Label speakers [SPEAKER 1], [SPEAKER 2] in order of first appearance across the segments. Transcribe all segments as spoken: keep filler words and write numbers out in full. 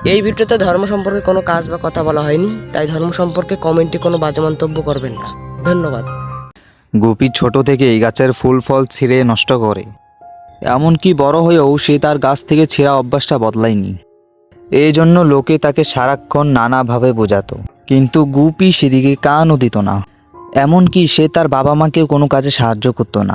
[SPEAKER 1] এই ভিডিওতে ধর্ম সম্পর্কে কোনো কাজ বা কথা বলা হয়নি, তাই ধর্ম সম্পর্কে কমেন্টে কোনো বাজে মন্তব্য করবেন না। ধন্যবাদ।
[SPEAKER 2] গুপি ছোট থেকে এই গাছের ফুল ফল ছিঁড়ে নষ্ট করে, এমনকি বড় হয়েও সে তার গাছ থেকে ছেঁড়া অভ্যাসটা বদলায়নি। এই জন্য লোকে তাকে সারাক্ষণ নানাভাবে বোঝাতো, কিন্তু গুপি সেদিকে কানও দিত না। এমনকি সে তার বাবা মাকেও কোনো কাজে সাহায্য করতো না।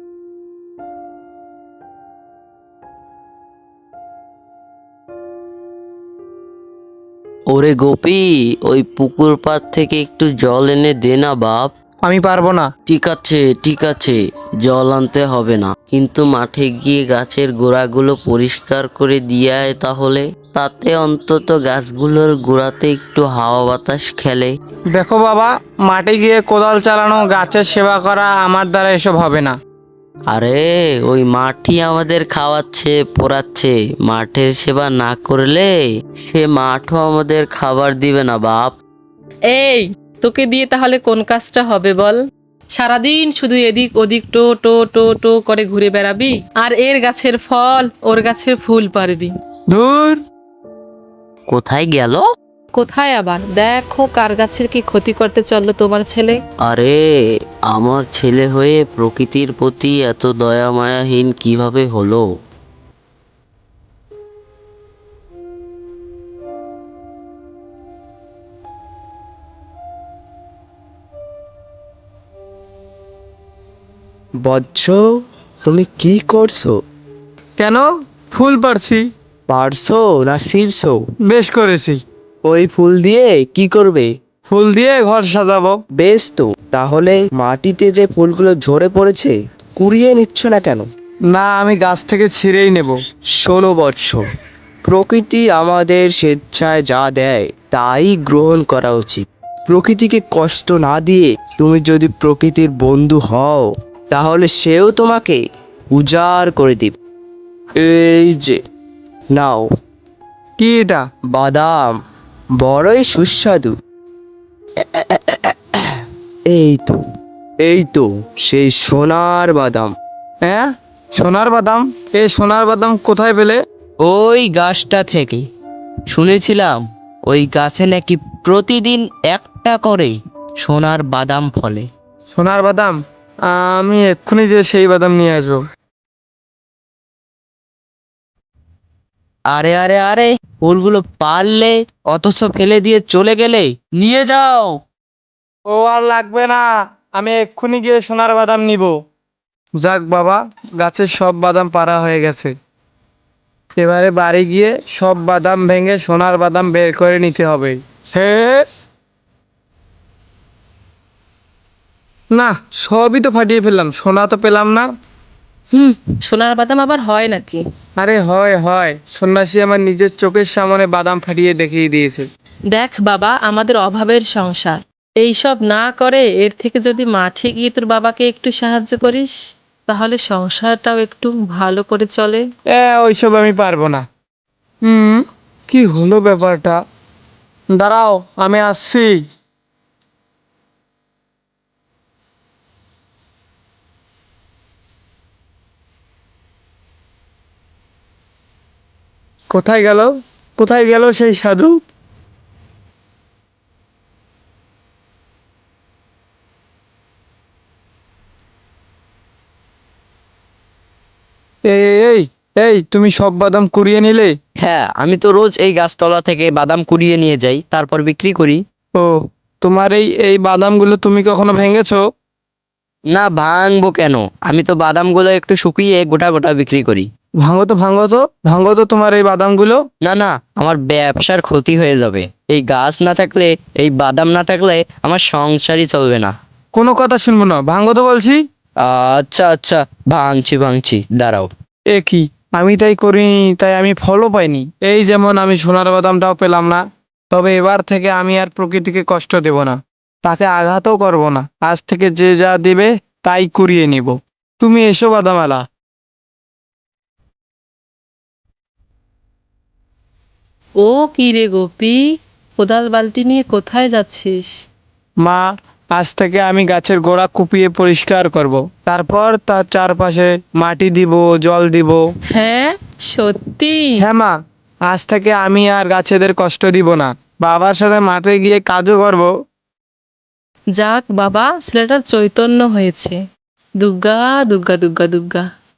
[SPEAKER 3] ওরে গোপী, ওই পুকুর পাড় থেকে একটু জল এনে দে না বাপ।
[SPEAKER 4] আমি পারবো না।
[SPEAKER 3] ঠিক আছে ঠিক আছে, জল আনতে হবে না, কিন্তু মাঠে গিয়ে গাছের গোড়াগুলো পরিষ্কার করে দিয়ে আয় তাহলে। তাতে অন্তত গাছগুলোর গোড়াতে একটু হাওয়া বাতাস খেলে।
[SPEAKER 4] দেখো বাবা, মাঠে গিয়ে কোদাল চালানো, গাছের সেবা করা আমার দ্বারা এসব হবে না।
[SPEAKER 3] আরে ওই মাঠই আমাদের খাওয়াচ্ছে পড়াচ্ছে, মাঠের সেবা না করলে সে মাঠও আমাদের খাবার দিবে না বাপ।
[SPEAKER 5] এই, তোকে দিয়ে তাহলে কোন কাজটা হবে বল? সারাদিন শুধু এদিক ওদিক টো টো টো টো করে ঘুরে বেড়াবি, আর এর গাছের ফল ওর গাছের ফুল পারবি।
[SPEAKER 4] ধুর,
[SPEAKER 3] কোথায় গেল?
[SPEAKER 5] কোথায় আবার? দেখো কার গাছের কি ক্ষতি করতে চললো তোমার ছেলে।
[SPEAKER 3] আরে আমার ছেলে হয়ে প্রকৃতির প্রতি এত দয়া মায়াহীন কিভাবে হলো?
[SPEAKER 6] বৎস, তুমি কি করছো?
[SPEAKER 4] কেন? ফুল পারছি।
[SPEAKER 6] পারছো না ছিঁড়ছো?
[SPEAKER 4] বেশ করেছি।
[SPEAKER 6] ওই ফুল দিয়ে কি করবে?
[SPEAKER 4] ফুল দিয়ে ঘর সাজাবো।
[SPEAKER 6] বেশ তো, তাহলে মাটিতে যে ফুলগুলো ঝরে পড়েছে কুড়িয়ে নিচ্ছ না কেন?
[SPEAKER 4] না, আমি গাছ থেকে ছিঁড়েই নেব।
[SPEAKER 6] শোনো বৎস, প্রকৃতি আমাদের স্বেচ্ছায় যা দেয় তাই গ্রহণ করা উচিত। প্রকৃতিকে কষ্ট না দিয়ে তুমি যদি প্রকৃতির বন্ধু হও, তাহলে সেও তোমাকে উজাড় করে দিবে। এই যে নাও,
[SPEAKER 4] কি এটা?
[SPEAKER 6] বাদাম, বড়ই সুস্বাদু। এই তো, এই তো সেই সোনার বাদাম।
[SPEAKER 4] হ্যাঁ, সোনার বাদাম? এই সোনার বাদাম কোথায় পেলে?
[SPEAKER 7] ওই গাছটা থেকে শুনেছিলাম ওই গাছে নাকি প্রতিদিন একটা করে সোনার বাদাম ফলে।
[SPEAKER 4] সোনার বাদাম? আমি এক্ষুনি যে সেই বাদাম নিয়ে আসবো।
[SPEAKER 7] আরে আরে আরে, ফুলগুলো পারলে অথচ ফেলে দিয়ে চলে গেলে, নিয়ে যাও।
[SPEAKER 4] ও আর লাগবে না, আমি এক্ষুনি গিয়ে সোনার বাদাম নিব। যাক বাবা, গাছের সব বাদাম পাড়া হয়ে গেছে। এবারে বাড়ি গিয়ে সব বাদাম ভেঙে সোনার বাদাম বের করে নিতে হবে। হে না, সবই তো ফাটিয়ে ফেললাম, সোনা তো পেলাম না।
[SPEAKER 5] হুম, সোনার বাদাম আবার হয় নাকি?
[SPEAKER 4] আরে হয় হয়, সন্ন্যাসী আমার নিজের চোখের সামনে বাদাম ফাটিয়ে দেখিয়ে দিয়েছে।
[SPEAKER 5] দেখ বাবা, আমাদের অভাবের সংসার, এইসব না করে এর থেকে যদি মাঠে গিয়ে তোর বাবাকে একটু সাহায্য করিস, তাহলে সংসারটাও একটু ভালো করে চলে।
[SPEAKER 4] এ ওইসব আমি পারবো না। হুম, কি হলো ব্যাপারটা? দাঁড়াও, আমি আসছি। কোথায় গেল? কোথায় গেল সেই সাধু? এই এই এই এই, তুমি সব বাদাম কুড়িয়ে নিলে?
[SPEAKER 7] হ্যাঁ, আমি তো রোজ এই গাছতলা থেকে বাদাম কুড়িয়ে নিয়ে যাই, তারপর বিক্রি করি।
[SPEAKER 4] ও, তোমার এই এই বাদামগুলো তুমি কখনো ভেঙেছো?
[SPEAKER 7] না, ভাঙবো কেন? আমি তো বাদামগুলো একটু শুকিয়ে গোটা গোটা বিক্রি করি।
[SPEAKER 4] ভাঙো তো, ভাঙো তো, ভাঙো তো তোমার এই বাদামগুলো।
[SPEAKER 7] না না, আমার ব্যবসার ক্ষতি হয়ে যাবে। এই গাছ না থাকলে, এই বাদাম না থাকলে আমার সংসারই চলবে না।
[SPEAKER 4] কোনো কথা শুনবো না, ভাঙো তো বলছি।
[SPEAKER 7] আচ্ছা আচ্ছা, ভাঙছি ভাঙছি, দাঁড়াও।
[SPEAKER 4] এ কি, আমি তাই করিনি, তাই আমি ফলও পাইনি। এই যেমন আমি সোনার বাদামটাও পেলাম না। তবে এবার থেকে আমি আর প্রকৃতিকে কষ্ট দেব না, তাকে আঘাতও করব না। আজ থেকে যে যা দিবে তাই কুড়িয়ে নিব। তুমি এসো বাদামালা।
[SPEAKER 5] ও কি রে গোপী, কোদাল বালতি নিয়ে কোথায় যাচ্ছিস?
[SPEAKER 4] মা, আজ থেকে আমি গাছের গোড়া কুপিয়ে পরিষ্কার করব। তারপর তার চারপাশে মাটি দিব, জল দিব।
[SPEAKER 5] হ্যাঁ, সত্যি?
[SPEAKER 4] হ্যাঁ মা, আজ থেকে আমি আর গাছেদের কষ্ট দিব না, বাবার সাথে মাঠে গিয়ে কাজও করব।
[SPEAKER 5] যাক বাবা, ছেলেটার চৈতন্য হয়েছে। দুর্গা দুর্গা দুর্গা দুর্গা।